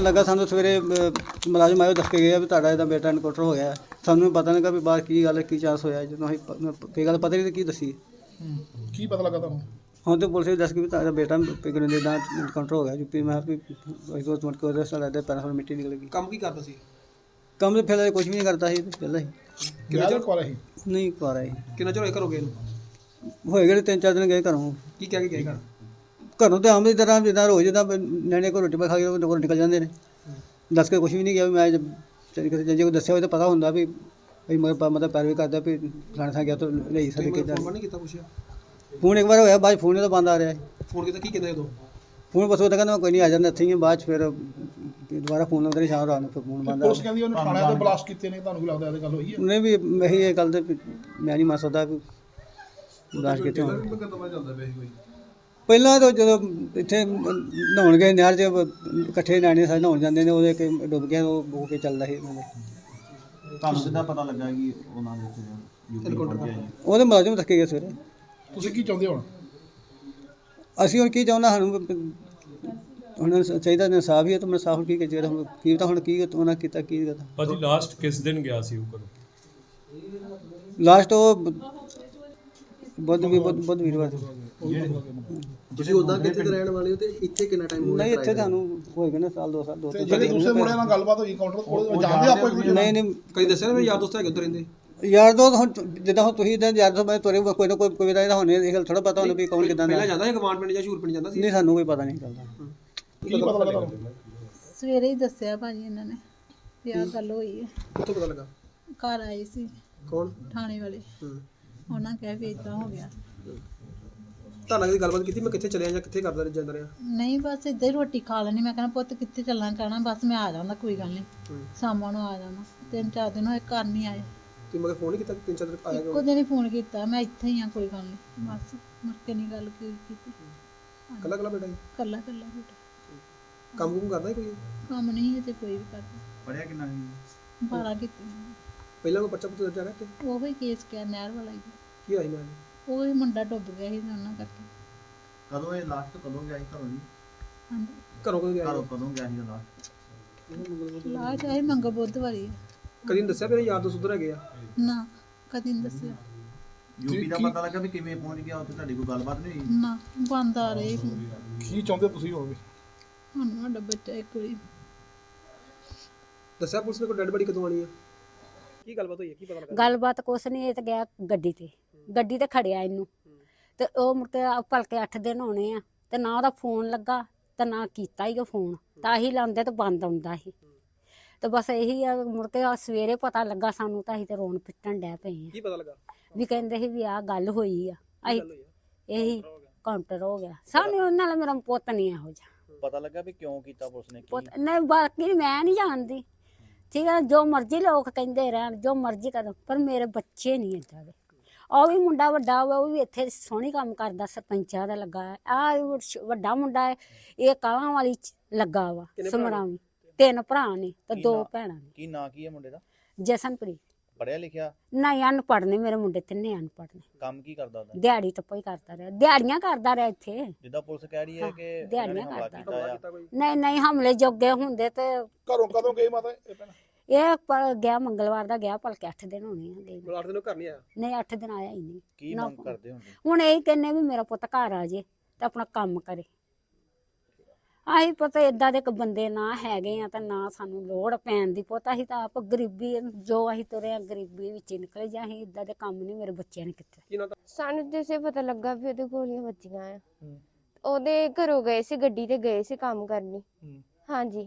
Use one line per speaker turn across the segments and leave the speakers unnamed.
ਲੱਗਾ ਸਾਨੂੰ ਸਵੇਰੇ ਮੁਲਾਜ਼ਮ ਆਇਓ ਦੱਸ ਕੇ ਗਿਆ ਵੀ ਤੁਹਾਡਾ ਇਹਦਾ ਬੇਟਾ ਐਨਕਾਊਂਟਰ ਹੋ ਗਿਆ। ਸਾਨੂੰ ਪਤਾ ਨਹੀਂ ਲੱਗਾ ਵੀ ਬਾਹਰ ਕੀ ਗੱਲ ਕੀ ਚਾਂਸ ਹੋਇਆ। ਜਦੋਂ ਅਸੀਂ ਕੀ ਗੱਲ ਪਤਾ ਨਹੀਂ ਕੀ ਦੱਸੀ।
ਕੀ ਪਤਾ ਲੱਗਾ ਤੁਹਾਨੂੰ?
ਹੁਣ ਤੇ ਪੁਲਿਸ ਨੇ ਦੱਸ ਕੇ ਵੀ ਤੁਹਾਡਾ ਬੇਟਾ ਪਿਗਨ ਦੇ ਦਾ ਐਨਕਾਊਂਟਰ ਹੋ ਗਿਆ ਯੂਪੀ। ਮੈਂ ਵੀ ਉਹ ਤੋਂ ਮਟ ਕੇ ਸਾਡਾ ਦੇ ਪੈਰਾਂ ਮਿੱਟੀ ਨਿਕਲ ਗਈ।
ਕੰਮ ਕੀ ਕਰਦਾ ਸੀ?
ਕੰਮ ਤੇ ਫਿਰ ਕੁਝ ਵੀ ਨਹੀਂ ਕਰਦਾ ਸੀ ਪਹਿਲਾਂ ਹੀ।
ਕਿੰਨਾ ਚਿਰ ਕੋਲ ਸੀ?
ਨਹੀਂ ਕਰ ਆਏ।
ਕਿੰਨਾ ਚਿਰ ਹੋਇਆ ਘਰੋਂ ਗਏ ਨੂੰ?
ਹੋਏ ਗਏ 3-4 ਦਿਨ ਗਏ ਘਰੋਂ।
ਕੀ ਕਹਿ ਕੇ ਗਏ ਘਰ?
ਘਰੋਂ ਤੇ ਆਮ ਦੀ ਤਰ੍ਹਾਂ ਜਿੱਦਾਂ ਰੋਜ਼ ਜਿੱਦਾਂ ਨਿਆਣੇ ਕੋਲ ਰੋਟੀ ਪਾ ਖਾ ਕੇ ਉਹ ਘਰੋਂ ਨਿਕਲ ਜਾਂਦੇ ਨੇ। ਦੱਸ ਕੇ ਕੁਝ ਵੀ ਨਹੀਂ ਗਿਆ ਵੀ ਮੈਂ ਜੇ ਕੋਈ ਦੱਸਿਆ ਹੋਵੇ ਤਾਂ ਪਤਾ ਹੁੰਦਾ ਵੀ ਮਤਲਬ ਪੈਰਵੀ ਕਰਦਾ ਵੀ ਫਲਾਣੇ ਥਾਂ ਗਿਆ ਤਾਂ ਲਈ ਸਾਡੇ ਕੇ
ਫੋਨ ਨਹੀਂ ਕੀਤਾ ਪੁੱਛਿਆ?
ਫੋਨ ਇੱਕ ਵਾਰ ਹੋਇਆ ਬਾਅਦ ਫੋਨ ਤਾਂ ਬੰਦ ਆ ਰਿਹਾ।
ਫੋਨ ਕੀਤਾ ਕੀ ਕਹਿੰਦੇ ਉਦੋਂ?
ਫੋਨ ਬਸ ਉਹ ਤਾਂ ਕਹਿੰਦਾ ਕੋਈ ਨਹੀਂ ਆ ਜਾਂਦਾ ਇੱਥੇ ਹੀ ਆ। ਬਾਅਦ 'ਚ ਫਿਰ ਦੁਬਾਰਾ ਫੋਨ ਲਾਉਂਦੇ ਨੇ ਸ਼ਾਮ ਰਾਤ ਨੂੰ ਫਿਰ ਫੋਨ ਬੰਦ ਆ।
ਪੁਲਿਸ ਕਹਿੰਦੀ ਉਹਨੇ ਥਾਣੇ ਤੇ ਬਲਾਸਟ ਕੀਤੇ ਨੇ, ਤੁਹਾਨੂੰ ਕੀ ਲੱਗਦਾ ਇਹਦੇ ਗੱਲ ਹੋਈ ਹੈ?
ਉਹਨੇ ਵੀ ਇਹੀ ਇਹ ਗੱਲ ਤੇ ਮੈਂ ਨਹੀਂ ਮੰਨ ਸਕਦਾ ਵੀ ਬਲਾਸਟ ਕੀਤੇ ਹੋਣ। ਪਹਿਲਾਂ ਤਾਂ ਜਦੋਂ ਇੱਥੇ ਨਹਾਉਣ ਗਏ ਨਹਿਰ 'ਚ ਇਕੱਠੇ ਨਿਆਣੇ ਸਾਰੇ ਨਹਾਉਣ ਜਾਂਦੇ ਨੇ, ਉਹਦੇ ਕਿ ਡੁੱਬ ਗਿਆ ਉਹ ਬੋ ਕੇ ਚੱਲਦਾ ਸੀ।
ਤੁਹਾਨੂੰ ਸਿੱਧਾ ਪਤਾ ਲੱਗਾ ਕਿ ਉਹਨਾਂ ਦੇ ਯੂਪੀ ਪਹੁੰਚਿਆ ਜੀ?
ਉਹਦੇ ਮੁਲਾਜ਼ਮ ਥੱਕੇ ਗਏ ਸਵੇਰੇ।
ਤੁਸੀਂ ਕੀ ਚਾਹੁੰਦੇ ਹੁਣ?
ਅਸੀਂ ਹੁਣ ਕੀ ਚਾਹੁੰਦਾ ਸਾਨੂੰ ਹੁਣ ਚਾਹੀਦਾ ਇਨਸਾਫ ਹੀ ਹੈ। ਤਾਂ ਮੈਂ ਸਾਫ ਕੀ ਚਾਹੀਦਾ ਹੁਣ ਕੀ ਤਾਂ ਹੁਣ ਕੀ ਉਹਨਾਂ ਕੀਤਾ ਕੀ ਕਰਤਾ।
ਭਾਜੀ ਲਾਸਟ ਕਿਸ ਦਿਨ ਗਿਆ ਸੀ ਉਹ ਘਰੋਂ?
ਲਾਸਟ ਉਹ ਬੁੱਧ ਵੀਰਵਾਰ।
ਤੁਸੀਂ ਉਦਾਂ ਕਿੱਥੇ ਦੇ ਰਹਿਣ ਵਾਲੇ ਹੋ ਤੇ ਇੱਥੇ ਕਿੰਨਾ ਟਾਈਮ ਹੋ ਗਿਆ?
ਨਹੀਂ ਇੱਥੇ ਤੁਹਾਨੂੰ ਹੋਏਗਾ ਨਾ ਸਾਲ 2 ਸਾਲ 2
ਤੇ ਜਿਹੜੇ ਦੂਸਰੇ ਮੁੰਡਿਆਂ ਨਾਲ ਗੱਲਬਾਤ ਹੋਈ ਕਾਊਂਟਰ ਕੋਲ, ਜਾਣਦੇ ਆਪਾਂ ਇੱਕ ਦੂਜੇ ਨੂੰ?
ਨਹੀਂ
ਕਈ ਦੱਸਿਆ ਨਾ ਮੇਰੇ ਯਾਰ ਦੋਸਤ ਹੈਗੇ ਉੱਧਰ ਰਹਿੰਦੇ।
ਯਾਰ ਦੋ ਹੁਣ ਜਿੱਦਾਂ ਹੁਣ ਤੁਸੀਂ ਤਾਂ ਯਾਰ ਦੋ ਮੈਂ ਤੁਰੇ ਕੋਈ ਨਾ ਕੋਈ ਦਾ ਇਹਦਾ ਹੋਣੇ ਇਹ ਗੱਲ ਥੋੜਾ ਪਤਾ ਹੁੰਦਾ ਵੀ ਕੌਣ ਕਿੱਦਾਂ ਦਾ।
ਪਹਿਲਾਂ ਜਾਂਦਾ ਸੀ ਗਵਾਂਡ ਪਿੰਡ ਜਾਂ ਸ਼ੂਰ ਪਿੰਡ ਜਾਂਦਾ ਸੀ?
ਨਹੀਂ ਸਾਨੂੰ ਕੋਈ ਪਤਾ ਨਹੀਂ ਚੱਲਦਾ।
ਕੀ ਪਤਾ ਲੱਗਾ ਤੁਹਾਨੂੰ?
ਸਵੇਰੇ ਹੀ ਦੱਸਿਆ ਭਾਜੀ ਇਹਨਾਂ ਨੇ ਵੀ ਆਹ ਗੱਲ ਹੋਈ ਹੈ।
ਕਿੱਥੋਂ ਪਤਾ ਲੱਗਾ?
ਘਰ ਆਏ ਸੀ
ਕੌਣ?
ਥਾਣੇ ਵਾਲੇ। ਉਹਨਾਂ ਕਹਿ ਵੀ ਏਦਾਂ ਹੋ ਗਿਆ।
ਤੁਹਾਨੂੰ ਦੀ ਗੱਲਬਾਤ ਕੀਤੀ ਮੈਂ ਕਿੱਥੇ ਚਲਿਆ ਜਾਂ ਕਿੱਥੇ ਕਰਦਾ ਜਾਂਦਾ ਰਿਹਾ?
ਨਹੀਂ ਬਸ ਇੱਦਾਂ ਹੀ ਰੋਟੀ ਖਾ ਲੈਣੀ। ਮੈਂ ਕਹਿੰਦਾ ਪੁੱਤ ਕਿੱਥੇ ਚੱਲਣਾ, ਕਹਿਣਾ ਬਸ ਮੈਂ ਆ ਜਾਂਦਾ ਕੋਈ ਗੱਲ ਨਹੀਂ ਸ਼ਾਮਾਂ ਨੂੰ ਆ ਜਾਣਾ। 3-4 ਦਿਨ ਹੋਏ ਘਰ ਨਹੀਂ ਆਏ।
ਤੁਸੀਂ ਮਗਰ ਫੋਨ ਨਹੀਂ ਕੀਤਾ? 3-4 ਦਿਨ ਆਇਆ
ਇੱਕੋ ਦਿਨ ਹੀ ਫੋਨ ਕੀਤਾ ਮੈਂ ਇੱਥੇ ਹੀ ਆ ਕੋਈ ਗੱਲ ਨਹੀਂ ਬਸ। ਮੁੜ ਕੇ ਨਹੀਂ ਗੱਲ ਕੀਤੀ।
ਕੱਲਾ ਬੇਟਾ ਜੀ?
ਕੱਲਾ ਬੇਟਾ।
ਕੰਮ ਕੁਮ ਕਰਦਾ ਕੋਈ?
ਕੰਮ ਨਹੀਂ ਤੇ ਕੋਈ ਵੀ ਕਰਦਾ।
ਪੜਿਆ ਕਿੰਨਾ ਸੀ?
12 ਕੀਤੀ।
ਪਹਿਲਾਂ ਕੋਈ ਬੱਚਾ ਪੁੱਛ ਰਿਹਾ ਕਿ
ਉਹ ਹੀ ਕੇਸ ਕਿਆ ਨਹਿਰ ਵਾਲਾ ਹੀ।
ਕੀ ਹੋਇਆ ਮੈਂ?
ਉਹ ਹੀ ਮੁੰਡਾ ਡੁੱਬ ਗਿਆ ਸੀ ਉਹਨਾਂ ਕਰਕੇ।
ਕਦੋਂ ਇਹ ਲਾਸਟ ਕਦੋਂ ਗਿਆ ਸੀ ਘਰੋਂ ਜੀ?
ਹਾਂਜੀ
ਘਰੋਂ ਕਦੋਂ ਗਿਆ?
ਘਰੋਂ ਕਦੋਂ ਗਿਆ ਸੀ ਲਾਸਟ?
ਲਾ ਚਾਹੇ ਮੰਗ ਬੁੱਧਵਾਰੀ।
ਕਦੀ ਨਹੀਂ ਦੱਸਿਆ ਮੇਰੇ ਯਾਰ ਦੋਸਤ ਉੱਧਰ ਹੈਗੇ ਆ?
ਨਾ ਕਦੀ ਨਹੀਂ ਦੱਸਿਆ।
ਯੂਪੀ ਦਾ ਪਤਾ ਲੱਗਾ ਵੀ ਕਿਵੇਂ ਪਹੁੰਚ ਗਿਆ ਉੱਥੇ? ਤੁਹਾਡੀ ਕੋਈ ਗੱਲਬਾਤ ਨਹੀਂ ਹੋਈ?
ਨਾ ਬੰਦ ਆ ਰਹੇ
ਕੀ ਚਾਹੁੰਦੇ ਤੁਸੀਂ ਹੋਵੇ?
ਹੁਣ ਸਾਡਾ ਬੱਚਾ ਇੱਕ ਵਾਰੀ
ਦੱਸਿਆ ਪੁਲਿਸ ਨੇ ਕੋਈ ਡੈਡ ਬੜੀ ਕਦੋਂ ਆਣੀ ਆ? ਕੀ ਗੱਲਬਾਤ ਹੋਈ ਹੈ? ਕੀ ਪਤਾ ਲੱਗਾ?
ਗੱਲਬਾਤ ਕੁਛ ਨਹੀਂ। ਇਹ ਤਾਂ ਗਿਆ ਗੱਡੀ ਤੇ ਖੜਿਆ ਇਹਨੂੰ ਤੇ ਉਹ ਮੁੜ ਕੇ ਭਲਕੇ 8 ਦਿਨ ਹੋਣੇ ਆ ਤੇ ਨਾ ਉਹਦਾ ਫੋਨ ਲੱਗਾ ਤੇ ਨਾ ਕੀਤਾ ਹੀ ਉਹ ਫੋਨ। ਤਾਂ ਹੀ ਲਾਉਂਦੇ ਤੇ ਬੰਦ ਆਉਂਦਾ ਸੀ ਤੇ ਬਸ ਇਹੀ ਆ। ਮੁੜ ਕੇ ਸਵੇਰੇ ਪਤਾ ਲੱਗਾ ਸਾਨੂੰ ਤਾਂ ਅਸੀਂ ਤੇ ਰੋਣ ਪਿੱਟਣ ਡੈ ਪਏ ਆ।
ਕੀ ਪਤਾ ਲੱਗਾ?
ਵੀ ਕਹਿੰਦੇ ਸੀ ਵੀ ਆਹ ਗੱਲ ਹੋਈ ਆ। ਅਸੀਂ ਇਹੀ ਕਾਊਂਟਰ ਹੋ ਗਿਆ ਸਾਨੂੰ। ਨਾਲ ਮੇਰਾ ਪੁੱਤ ਨਹੀਂ ਇਹੋ ਜਿਹਾ।
ਪਤਾ ਲੱਗਾ ਵੀ ਕਿਉਂ ਕੀਤਾ ਪੁਲਿਸ ਨੇ?
ਪੁੱਤ ਨਹੀਂ ਬਾਕੀ ਮੈਂ ਨਹੀਂ ਜਾਣਦੀ। ਠੀਕ ਹੈ ਜੋ ਮਰਜ਼ੀ ਲੋਕ ਕਹਿੰਦੇ ਰਹਿਣ ਜੋ ਮਰਜ਼ੀ ਕਰਨ ਪਰ ਮੇਰੇ ਬੱਚੇ ਨਹੀਂ ਏਦਾਂ ਦੇ। ਉਹ ਵੀ ਮੁੰਡਾ ਵੱਡਾ ਹੋਇਆ ਉਹ ਵੀ ਇੱਥੇ ਸੋਹਣੀ ਕੰਮ ਕਰਦਾ ਸਰਪੰਚਾਂ ਦਾ ਲੱਗਾ। ਆ ਵੱਡਾ ਮੁੰਡਾ ਹੈ ਇਹ ਕਾਲਾਂ ਵਾਲੀ ਲੱਗਾ ਵਾ ਸਮਰਾਵੀ। 3 ਭਰਾ ਨੇ ਤੇ 2 ਭੈਣਾਂ ਨੇ।
ਕੀ ਨਾਂ ਕੀ ਹੈ ਮੁੰਡੇ ਦਾ?
ਜਸਨਪ੍ਰੀਤ।
ਪੜਿਆ ਲਿਖਿਆ?
ਨਹੀਂ ਅਨਪੜ੍ਹ ਨੇ ਮੇਰੇ ਮੁੰਡੇ 3 ਅਨਪੜ੍ਹ ਨੇ।
ਕੰਮ ਕੀ ਕਰਦਾ ਉਹਦਾ?
ਦਿਹਾੜੀ ਟੱਪਾ ਹੀ ਕਰਦਾ ਰਿਹਾ। ਦਿਹਾੜੀਆਂ ਕਰਦਾ ਰਿਹਾ ਇੱਥੇ।
ਜਿੱਦਾਂ ਪੁਲਿਸ ਕਹਿ ਰਹੀ ਹੈ ਕਿ
ਦਿਹਾੜੀਆਂ
ਹਮਲਾ
ਕਰਦਾ।
ਕੀਤਾ ਆ।
ਨਹੀਂ ਹਮਲੇ ਜੋਗੇ ਹੁੰਦੇ ਤੇ
ਘਰੋਂ ਕਦੋਂ ਗਏ ਮਾਤਾ ਇਹ ਪਹਿਲਾਂ?
ਇਹ ਗਿਆ ਮੰਗਲਵਾਰ ਦਾ ਗਿਆ ਭਲਕੇ 8 ਦਿਨ ਹੋਣੇ ਆ ਗਏ।
8 ਦਿਨ ਘਰ ਨਹੀਂ ਆਇਆ?
ਨਹੀਂ 8 ਦਿਨ ਆਇਆ ਹੀ ਨਹੀਂ।
ਕੀ ਮੰਗ ਕਰਦੇ ਹੁੰਦੇ?
ਹੁਣ ਇਹ ਕਹਿੰਨੇ ਵੀ ਮੇਰਾ ਪੁੱਤ ਘਰ ਆ ਜੇ ਤੇ ਆਪਣਾ ਕੰਮ ਕਰੇ। ਆਹੀ ਪਤਾ ਏਦਾਂ ਦੇ ਇੱਕ ਬੰਦੇ ਨਾ ਹੈਗੇ ਆ ਤਾਂ ਨਾ ਸਾਨੂੰ ਲੋੜ ਪੈਣ ਦੀ। ਪੁੱਤ ਅਸੀਂ ਤਾਂ ਆਪ ਗਰੀਬੀ ਜੋ ਅਸੀਂ ਤੁਰੇ ਆ ਗਰੀਬੀ ਵਿੱਚ ਹੀ ਨਿਕਲੇ। ਜਾਂ ਅਸੀਂ ਏਦਾਂ ਦੇ ਕੰਮ ਨਹੀਂ ਮੇਰੇ ਬੱਚਿਆਂ ਨੇ ਕੀਤੇ।
ਸਾਨੂੰ ਜਿਸੇ ਪਤਾ ਲੱਗਾ ਵੀ ਉਹਦੇ ਗੋਲੀਆਂ ਵੱਜੀਆਂ ਆ। ਉਹਦੇ ਘਰੋਂ ਗਏ ਸੀ ਗੱਡੀ ਤੇ ਗਏ ਸੀ ਕੰਮ ਕਰਨੀ। ਹਾਂਜੀ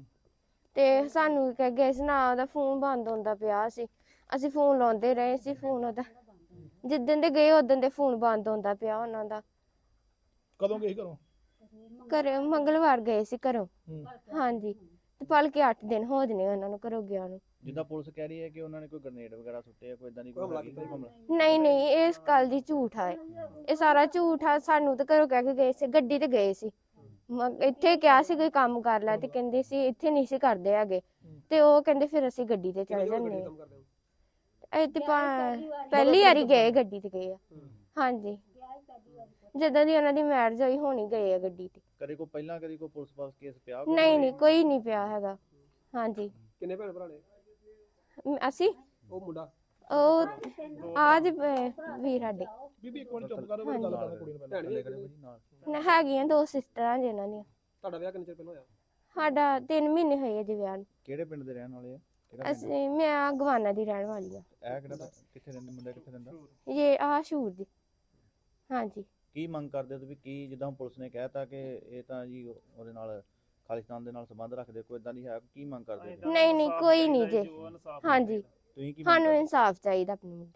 ਤੇ ਸਾਨੂੰ ਕਹਿ ਗਏ ਸੀ ਨਾ ਉਹਦਾ ਫੋਨ ਬੰਦ ਹੁੰਦਾ ਪਿਆ ਸੀ। ਅਸੀਂ ਫੋਨ ਲਾਉਂਦੇ ਰਹੇ ਸੀ। ਫੋਨ ਉਹਦਾ ਜਿੱਦਣ ਦੇ ਗਏ ਉਦੋਂ ਦੇ ਫੋਨ ਬੰਦ ਹੁੰਦਾ ਪਿਆ ਉਹਨਾਂ ਦਾ।
ਕਦੋਂ ਗਏ ਘਰੋਂ?
ਘਰੇ ਮੰਗਲਵਾਰ ਗਏ ਸੀ ਘਰੋਂ। ਹਾਂਜੀ ਤੇ ਭਲਕੇ 8 ਦਿਨ ਹੋ ਜਨੇ ਉਹਨਾਂ ਨੂੰ ਘਰੋਂ ਗਿਆ ਨੂੰ।
ਜਿੱਦਾਂ ਪੁਲਿਸ ਕਹਿ ਰਹੀ ਹੈ ਕਿ ਉਹਨਾਂ ਨੇ ਕੋਈ ਗ੍ਰਨੇਡ ਵਗੈਰਾ ਸੁੱਟੇ ਆ, ਕੋਈ ਇਦਾਂ ਦੀ ਕੋਈ ਹਮਲਾ?
ਨਹੀਂ ਇਸ ਗੱਲ ਦੀ ਝੂਠ ਆ। ਇਹ ਸਾਰਾ ਝੂਠ ਆ। ਸਾਨੂੰ ਤਾਂ ਘਰੋਂ ਕਹਿ ਕੇ ਗਏ ਸੀ ਗੱਡੀ ਤੇ ਗਏ ਸੀ। ਇੱਥੇ ਕਿਹਾ ਸੀ ਕੋਈ ਕੰਮ ਕਰ ਲੈ ਤੇ ਕਹਿੰਦੇ ਸੀ ਇੱਥੇ ਨਹੀਂ ਸੀ ਕਰਦੇ ਹੈਗੇ ਤੇ ਉਹ ਕਹਿੰਦੇ ਫਿਰ ਅਸੀਂ ਗੱਡੀ ਤੇ ਚਲੇ ਜਾਂਦੇ ਆ। ਇੱਥੇ ਪਹਿਲੀ ਵਾਰੀ ਗਏ ਗੱਡੀ ਤੇ ਗਏ ਆ। ਹਾਂਜੀ ਜਦੋਂ ਦੀ ਉਹਨਾਂ ਦੀ ਮੈਰਿਜ ਹੋਈ ਹੋਣੀ ਗਏ ਆ ਗੱਡੀ ਤੇ।
ਕਦੇ ਕੋ ਪਹਿਲਾਂ ਕਦੇ ਕੋ ਪੁਲਿਸ ਪਾਸ ਕੇਸ ਪਿਆ
ਨਹੀਂ ਕੋਈ ਨਹੀਂ ਪਿਆ ਹੈਗਾ। ਹਾਂਜੀ
ਕਿੰਨੇ ਭੈਣ ਭਰਾ ਨੇ?
ਅਸੀਂ
ਉਹ ਮੁੰਡਾ
ਉਹ ਆਜ ਵੀਰ ਸਾਡੇ
ਬੀਬੀ ਇੱਕ ਮਿੰਟ ਚੁੱਪ ਕਰੋ, ਮੇਰੀ ਗੱਲ ਕਰਨ ਕੁੜੀ ਨੂੰ ਪਹਿਲਾਂ।
ਭੈਣ ਵੀ ਨਾਲ।
ਹੈਗੀਆਂ 2 ਸਿਸਟਰਾਂ ਜਿਨ੍ਹਾਂ ਦੀਆਂ।
ਤੁਹਾਡਾ ਵਿਆਹ ਕਿੰਨੇ ਚਿਰ ਪਹਿਲਾਂ ਹੋਇਆ?
ਸਾਡਾ 3 ਮਹੀਨੇ ਹੋਏ ਅਜੇ ਵਿਆਹ ਨੂੰ।
ਕਿਹੜੇ ਪਿੰਡ ਦੇ ਰਹਿਣ ਵਾਲੇ ਆ? ਕਿਹੜਾ ਪਿੰਡ?
ਅਸੀਂ ਮੈਂ ਗਵਾਨਾ ਦੀ ਰਹਿਣ ਵਾਲੀ ਆ।
ਇਹ ਕਿਹੜਾ ਕਿੱਥੇ ਰਹਿੰਦੇ ਮੁੰਡਾ ਕਿੱਥੇ ਰਹਿੰਦਾ?
ਇਹ ਸ਼ੂਰ ਦੀ। ਹਾਂਜੀ
ਕੀ ਮੰਗ ਕਰਦੇ ਹੋ ਤੁਸੀਂ? ਕੀ ਜਿੱਦਾਂ ਪੁਲਿਸ ਨੇ ਕਹਿਤਾ ਕਿ ਇਹ ਤਾਂ ਜੀ ਉਹਦੇ ਨਾਲ ਖਾਲਿਸਤਾਨ ਦੇ ਨਾਲ ਸੰਬੰਧ ਰੱਖਦੇ, ਕੋਈ ਇਦਾਂ ਦੀ ਹੈ? ਕੀ ਮੰਗ ਕਰਦੇ ਹੋ?
ਨਹੀਂ ਕੋਈ ਨਹੀਂ ਜੇ। ਹਾਂਜੀ
ਤੁਸੀਂ ਕੀ ਮੰਗ
ਸਾਨੂੰ
ਕਰਦੇ ਹੋ?
ਇਨਸਾਫ ਚਾਹੀਦਾ ਆਪਣੇ ਮੁੰਡੇ